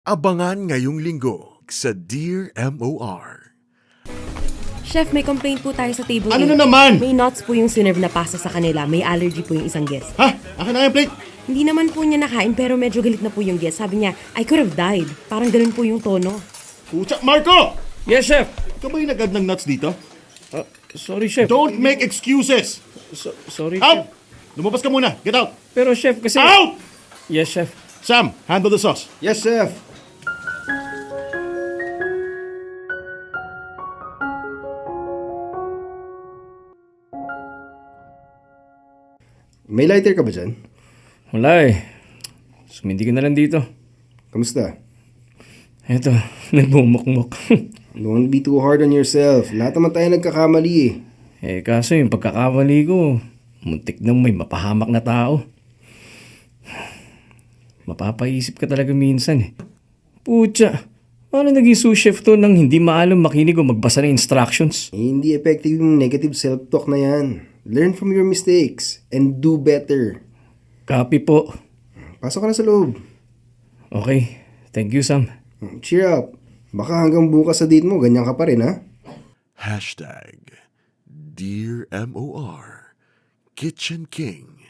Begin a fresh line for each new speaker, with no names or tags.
Abangan ngayong linggo sa Dear MOR.
Chef, may complaint po tayo sa table.
Ano
A.
na naman?
May nuts po yung sinerve na pasta sa kanila. May allergy po yung isang guest.
Ha? Akin na yung plate.
Hindi naman po niya nakain pero medyo galit na po yung guest. Sabi niya, I could have died. Parang ganun po yung tono.
Pucha, Marco!
Yes, chef.
Ikaw ba yung nag-add ng nuts dito?
Sorry, chef.
Don't make excuses!
Sorry,
Out!
chef.
Lumabas ka muna. Get out!
Pero, chef, kasi...
Out!
Yes, chef.
Sam, handle the sauce.
Yes, chef. May lighter ka ba dyan?
Wala eh. Sumindi ka na lang dito.
Kamusta?
Eto, nagbumukmuk.
Don't be too hard on yourself. Lahat naman tayo nagkakamali eh.
Kaso yung pagkakamali ko, muntik nang may mapahamak na tao. Mapapaisip ka talaga minsan eh. Pucha, paano naging sous chef to nang hindi maalam makinig o magbasa ng instructions?
Hindi effective yung negative self-talk na yan. Learn from your mistakes and do better.
Copy po.
Pasok ka na sa loob.
Okay, thank you, Sam.
Cheer up. Baka hanggang bukas sa date mo, ganyan ka pa rin ha?
Hashtag Dear MOR Kitchen King